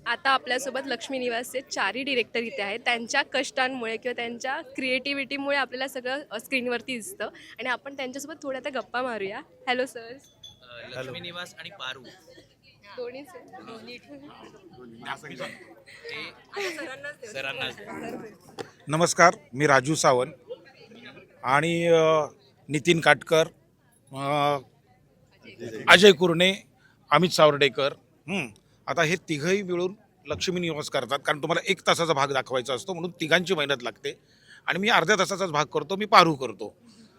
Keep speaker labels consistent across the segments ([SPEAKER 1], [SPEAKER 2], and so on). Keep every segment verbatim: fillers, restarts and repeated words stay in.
[SPEAKER 1] आता आपल्यासोबत लक्ष्मी निवासचे चारही डिरेक्टर इथे आहेत. त्यांच्या कष्टांमुळे किंवा त्यांच्या क्रिएटिव्हिटीमुळे आपल्याला सगळं अ, स्क्रीनवरती दिसतं आणि आपण त्यांच्यासोबत थोड्या आता गप्पा मारूया. Hello sir.
[SPEAKER 2] अ, लक्ष्मी निवास आणि पारू
[SPEAKER 1] दोन्ही
[SPEAKER 2] ते सरांनाच
[SPEAKER 3] नमस्कार, मी राजू सावंत आणि अ, नितीन काटकर, अ, अजय कुरणे, अमित सावर्डेकर. हं. आता हे तिघही मिळून लक्ष्मी निवास करतात, कारण तुम्हाला एक तासाचा भाग दाखवायचा असतो म्हणून तिघांची मेहनत लागते. आणि मी अर्ध्या तासाचाच भाग करतो, मी पारू करतो.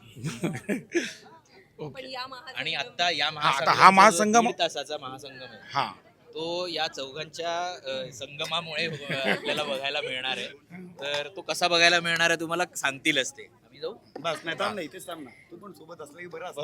[SPEAKER 2] आणि आता या
[SPEAKER 3] आता हा महासंगम-
[SPEAKER 2] दीड तासाचा महासंगम आहे
[SPEAKER 3] हां,
[SPEAKER 2] तो या चौघांच्या अ, संगमामुळे अ, आपल्याला बघायला मिळणार आहे. तर तो कसा बघायला मिळणार आहे तुम्हाला सांगतीलच ते. आम्ही जाऊ.
[SPEAKER 4] बस नाही थांब नाही इथेच थांब ना. तू पण सोबत असलं की बरं असतं.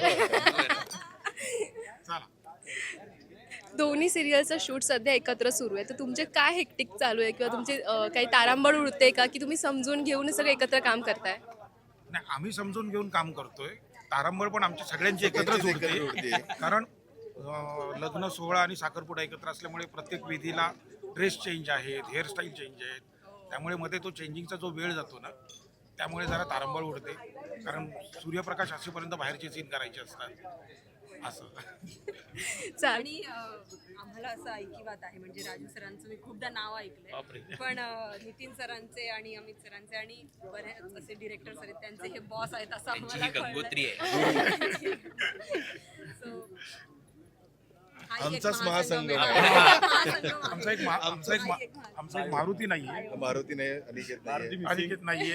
[SPEAKER 3] चला.
[SPEAKER 1] दोन्ही सिरियलचं शूट सध्या एकत्र सुरू आहे. तर तुमचे काय हेक्टिक चालू आहे किंवा तुमचे अ, काही तारांबळ उडते का की तुम्ही समजून घेऊन सगळं एकत्र काम करताय?
[SPEAKER 3] नाही, आम्ही समजून घेऊन काम करतोय. तारंबळ पण आमची सगळ्यांची एकत्रच उडते, कारण अ, लग्न सोहळा आणि साखरपुडा एकत्र असल्यामुळे प्रत्येक विधीला ड्रेस चेंज आहेत, हेअरस्टाईल चेंज आहेत. त्यामुळे मध्ये तो चेंजिंगचा जो वेळ जातो ना, त्यामुळे जरा तारंबळ उडते, कारण सूर्यप्रकाश असेपर्यंत बाहेरचे सीन करायचे असतात असं.
[SPEAKER 1] चाल
[SPEAKER 5] आणि अ, आम्हाला असं ऐकिवात आहे, म्हणजे राजू सरांचं मी खूपदा नाव
[SPEAKER 3] बापरे.
[SPEAKER 5] ऐकलंय, पण अ, नितीन सरांचे आणि अमित सरांचे आणि बरेच असे डिरेक्टर सर आहेत, त्यांचे हे बॉस आहेत असं
[SPEAKER 2] त्यांची
[SPEAKER 5] आम्हाला
[SPEAKER 2] ही
[SPEAKER 5] कळलंय.
[SPEAKER 2] गंगोत्री आहे.
[SPEAKER 5] So, हा एक
[SPEAKER 4] आमचाच
[SPEAKER 5] महासंगम
[SPEAKER 4] महासंगम
[SPEAKER 5] आहे.
[SPEAKER 2] आहे.
[SPEAKER 5] महासंगम आहे.
[SPEAKER 3] आमचा एक मा- आमचा एक मा- आमचा एक मारुती नाहीये,
[SPEAKER 4] मारुती नाही अनिकेत नाही
[SPEAKER 3] अनिकेत नाहीये.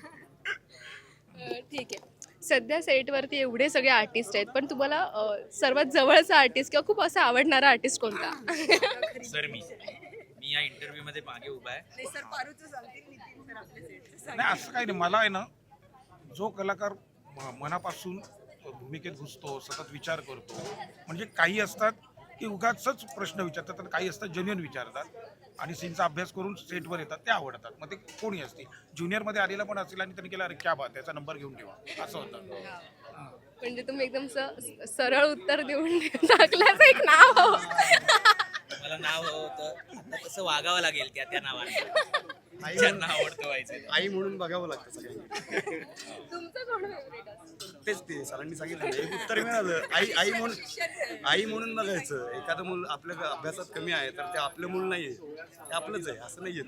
[SPEAKER 1] अ, ठीक आहे. सध्या सेटवरती एवढे सगळे आर्टिस्ट आहेत, पण तुम्हाला अ, सर्वात जवळचा आर्टिस्ट किंवा खूप असा आवडणारा आर्टिस्ट कोणता?
[SPEAKER 2] सर मी मी या इंटरव्ह्यू मध्ये मागे उभा आहे.
[SPEAKER 5] नाही सर, पारूचं सांगतील, नितीन सर आपले सेटचे
[SPEAKER 3] नाही, असं काही नाही. मला आहे ना, जो कलाकार म- मनापासून भूमिकेत घुसतो, सतत विचार करतो, म्हणजे काही असतात की उगाचच प्रश्न विचारतात आणि काही असतात जेन्युइन विचारतात आणि सीनचा अभ्यास करून सेटवर येतात, ते आवडतात. मग ते कोणी असतील, ज्युनियरमध्ये आलेला पण असेल आणि त्यांनी केला, अरे क्या बात, त्याचा नंबर घेऊन ठेवा, असं होतं.
[SPEAKER 1] म्हणजे तुम्ही एकदम स- सरळ उत्तर देऊन टाकल्याचं एक नाव हवं.
[SPEAKER 2] मला नाव हवं होतं, आता तसं वागावं लागेल त्या त्या नावाने. ज्यांना आवडतं व्हायचं.
[SPEAKER 4] आई म्हणून बघावं लागतं सगळ्यांनी.
[SPEAKER 1] तुमचं कोण फेवरेट असतं?
[SPEAKER 4] तेच ते सरांनी सांगितलं ना, एक उत्तर मिळालं. आई आई म्हणून आई म्हणून बघायचं. एखादं मूल आपल्या अभ्यासात कमी आहे तर ते आपलं मूल नाहीये, ते आपलंच आहे असं नाहीये.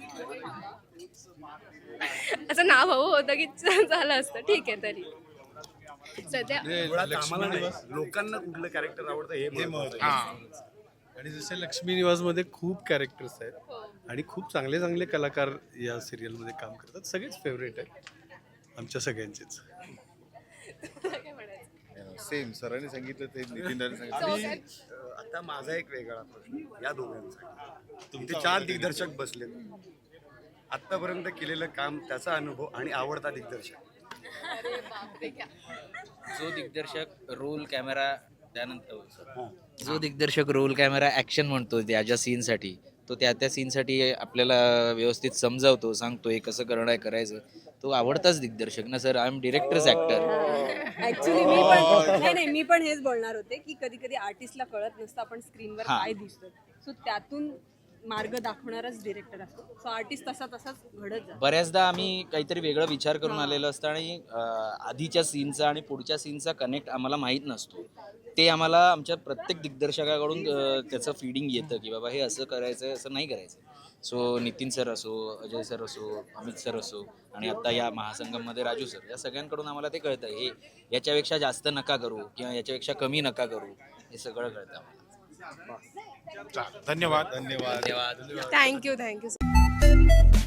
[SPEAKER 1] असं नाव हवं होतं की झालं असतं. ठीक आहे. तरी सध्या
[SPEAKER 4] मुळात आम्हाला नाही, लोकांना कुठलं कॅरेक्टर आवडतं हे महत्त्वाचं.
[SPEAKER 3] हां,
[SPEAKER 6] आणि जसे लक्ष्मी निवासमध्ये खूप कॅरेक्टर्स आहेत आणि खूप चांगले चांगले कलाकार या सिरियलमध्ये काम करतात. सगळेच फेवरेट आहेत आमच्या सगळ्यांचेच.
[SPEAKER 1] काय म्हणायचं?
[SPEAKER 7] सेम सरांनी सांगितलं ते नितीनने सांगितलं.
[SPEAKER 4] आणि अं, आता माझा एक वेगळा प्रश्न या दोघांचा. तुमचे चार दिग्दर्शक बसले, आतापर्यंत केलेलं काम, त्याचा अनुभव आणि आवडता दिग्दर्शक.
[SPEAKER 1] अरे बापरे, क्या
[SPEAKER 2] जो दिग्दर्शक रोल कॅमेरा त्यानंतर जो दिग्दर्शक रोल कॅमेरा ॲक्शन म्हणतो त्या ज्या सीनसाठी, तो त्या त्या सीनसाठी आपल्याला व्यवस्थित समजावतो, सांगतो हे कसं करणं आहे, करायचं. तो आवडताच दिग्दर्शक ना sir. I am director's actor.
[SPEAKER 5] Actually मी पण नाही नाही मी पण हेच बोलणार होते की कधी कधी आर्टिस्टला कळत नसतं आपण स्क्रीनवर
[SPEAKER 2] हा.
[SPEAKER 5] काय दिसतं, सो त्यातून मार्ग दाखवणारच डिरेक्टर असतो. सो आर्टिस्ट तसा तसाच घडत जातो.
[SPEAKER 2] बऱ्याचदा आम्ही काहीतरी वेगळा विचार करून आलेलो असतं आणि अं, आधीच्या सीनचा आणि पुढच्या सीनचा कनेक्ट आम्हाला माहीत नसतो. ते आम्हाला आमच्या प्रत्येक दिग्दर्शकाकडून अं, त्याचं फीडिंग येतं की बाबा हे असं करायचं आहे, असं नाही करायचं. सो नितीन सर असो, अजय सर असो, अमित सर असो आणि आता या महासंगममध्ये राजू सर, या सगळ्यांकडून आम्हाला ते कळतं हे याच्यापेक्षा जास्त नका करू किंवा याच्यापेक्षा कमी नका करू, हे सगळं कळतं आम्हाला.
[SPEAKER 3] चालेल. धन्यवाद.
[SPEAKER 7] धन्यवाद.
[SPEAKER 2] धन्यवाद.
[SPEAKER 1] Thank you thank you